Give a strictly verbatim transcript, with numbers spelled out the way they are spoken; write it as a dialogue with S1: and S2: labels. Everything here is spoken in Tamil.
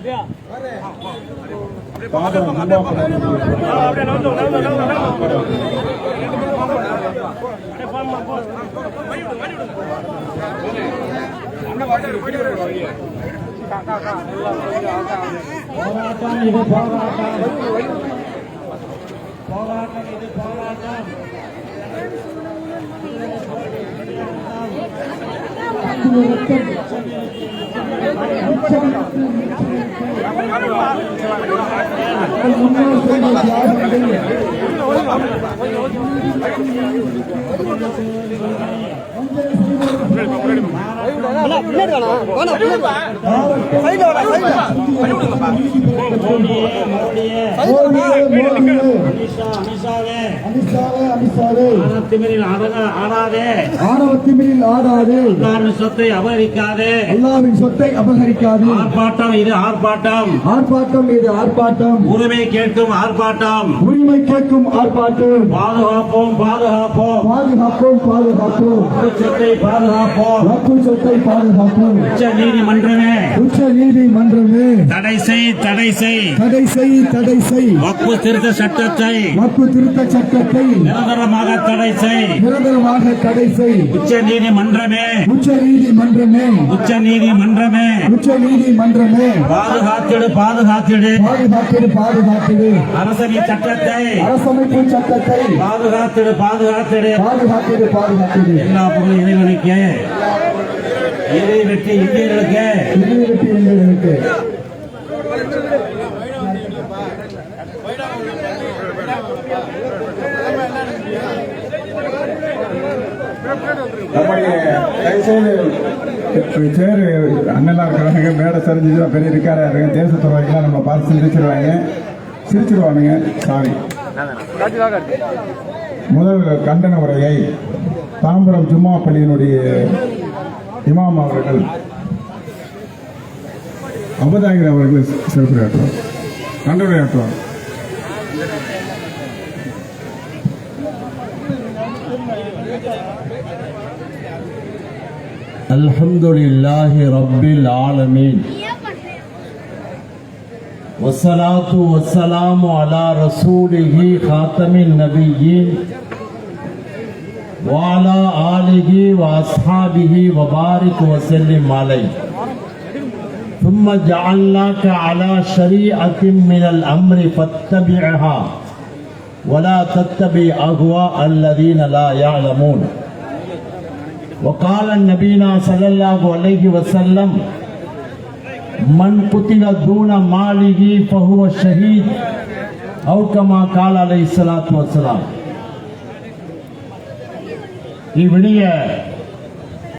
S1: போராட்டம் இது போராட்டம் போராட்டம் இது போராட்டம் சொத்தை அபகரிக்காதே அல்லாஹ்வின் சொத்தை அபகரிக்காதே ஆர்ப்பாட்டம் இது ஆர்ப்பாட்டம் ஆர்ப்பாட்டம் இது ஆர்ப்பாட்டம் உரிமை கேட்கும் ஆர்ப்பாட்டம் உரிமை கேட்கும் ஆர்ப்பாட்டம் பாதுகாப்போம் பாதுகாப்போம் பாதுகாப்போம் பாதுகாப்போம் சொத்தை பாதுகாப்போம் சொத்தை பாதுகாப்போம் உச்ச நீதிமன்றமே உச்ச நீதிமன்றமே தடை செய் தடை செய் தடை செய் தடை செய் வக்ஃபு திருத்த சட்டத்தை வக்ஃபு திருத்த சட்டத்தை நிரந்தரமாக தடை செய் நிரந்தரமாக தடை செய் உச்ச நீதிமன்றமே உச்ச நீதிமன்றமே உச்ச நீதிமன்றமே உச்ச நீதிமன்றமே பாதுகாத்திடு பாதுகாத்திடு பாதுகாத்திடு பாதுகாத்திடு அரசமைப்பு சட்டத்தை அரசமைப்பு சட்டத்தை பாதுகாத்திடு பாதுகாத்திடு பாதுகாத்திடு பாதுகாத்திடு எல்லா பொருளும் இறைவனுக்கு இறை வெற்றி இந்தியர்களுக்கு இறை வெற்றி இந்தியர்களுக்கு
S2: சேரு அண்ணெல்லாம் இருக்கிறாங்க மேடை சரிஞ்சுதான் பெரிய இருக்காரா இருக்கு தேசத்துறைக்கெல்லாம் நம்ம பார்த்து சிரிச்சிருவாங்க சிரிச்சிருவானுங்க சாரி. முதல் கண்டன உரையை தாம்பரம் ஜும்மா பள்ளியினுடைய இமாம் அவர்கள் அபதாகிர் அவர்கள் சிறப்புரையாற்றுவார் கண்டனையாற்றுவார்.
S3: அல்ஹம்துலில்லாஹி ரப்பில் ஆலமீன் வஸ்ஸலாத்து வஸ்ஸலாமு அலா ரசூலிஹி காத்தமின் நபிய்யீன் வ அலா ஆலிஹி வ அஸ்ஹாபிஹி வ பாரிக் வ ஸல்லிம் அலைஹி ثم جعلناك على شريعة من الأمر فاتبعها ولا تتبع أهواء الذين لا يعلمون. وقال النبينا صلى الله عليه وسلم من قتل دون ماله فهو شهيد أو كما قال عليه الصلاة والسلام. இவ்விடிய